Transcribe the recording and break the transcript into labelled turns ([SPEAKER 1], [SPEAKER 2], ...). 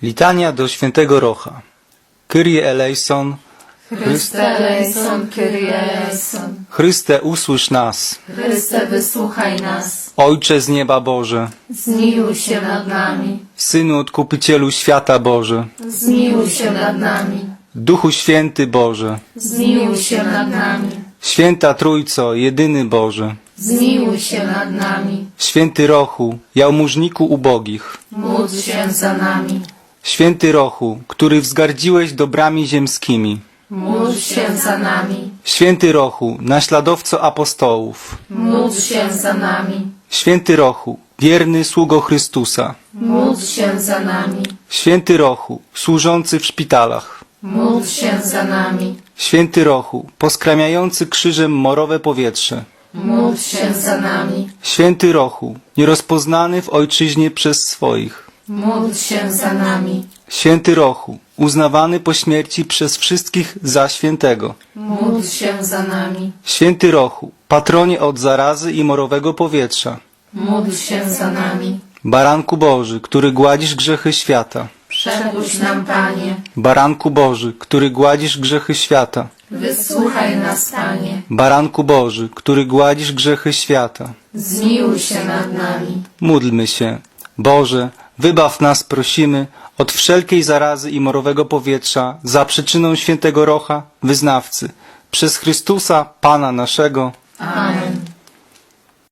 [SPEAKER 1] Litania do świętego Rocha. Kyrie eleison,
[SPEAKER 2] Chryste eleison, Kyrie eleison.
[SPEAKER 1] Chryste usłysz nas.
[SPEAKER 2] Chryste wysłuchaj nas.
[SPEAKER 1] Ojcze z nieba Boże,
[SPEAKER 2] Zmiłuj się nad nami.
[SPEAKER 1] Synu Odkupicielu świata Boże,
[SPEAKER 2] Zmiłuj się nad nami.
[SPEAKER 1] Duchu Święty Boże,
[SPEAKER 2] Zmiłuj się nad nami.
[SPEAKER 1] Święta Trójco, jedyny Boże,
[SPEAKER 2] Zmiłuj się nad nami.
[SPEAKER 1] Święty Rochu, jałmużniku ubogich,
[SPEAKER 2] Módl się za nami.
[SPEAKER 1] Święty Rochu, który wzgardziłeś dobrami ziemskimi,
[SPEAKER 2] Módl się za nami.
[SPEAKER 1] Święty Rochu, naśladowco apostołów,
[SPEAKER 2] Módl się za nami.
[SPEAKER 1] Święty Rochu, wierny sługo Chrystusa,
[SPEAKER 2] Módl się za nami.
[SPEAKER 1] Święty Rochu, służący w szpitalach,
[SPEAKER 2] Módl się za nami.
[SPEAKER 1] Święty Rochu, poskramiający krzyżem morowe powietrze,
[SPEAKER 2] Módl się za nami.
[SPEAKER 1] Święty Rochu, nierozpoznany w ojczyźnie przez swoich,
[SPEAKER 2] Módl się za nami.
[SPEAKER 1] Święty Rochu, uznawany po śmierci przez wszystkich za świętego,
[SPEAKER 2] Módl się za nami.
[SPEAKER 1] Święty Rochu, patronie od zarazy i morowego powietrza,
[SPEAKER 2] Módl się za nami.
[SPEAKER 1] Baranku Boży, który gładzisz grzechy świata,
[SPEAKER 2] Przepuść nam, Panie.
[SPEAKER 1] Baranku Boży, który gładzisz grzechy świata,
[SPEAKER 2] Wysłuchaj nas, Panie.
[SPEAKER 1] Baranku Boży, który gładzisz grzechy świata.
[SPEAKER 2] Zmiłuj się nad nami.
[SPEAKER 1] Módlmy się. Boże, wybaw nas, prosimy, od wszelkiej zarazy i morowego powietrza za przyczyną świętego Rocha, wyznawcy, przez Chrystusa, Pana naszego.
[SPEAKER 2] Amen.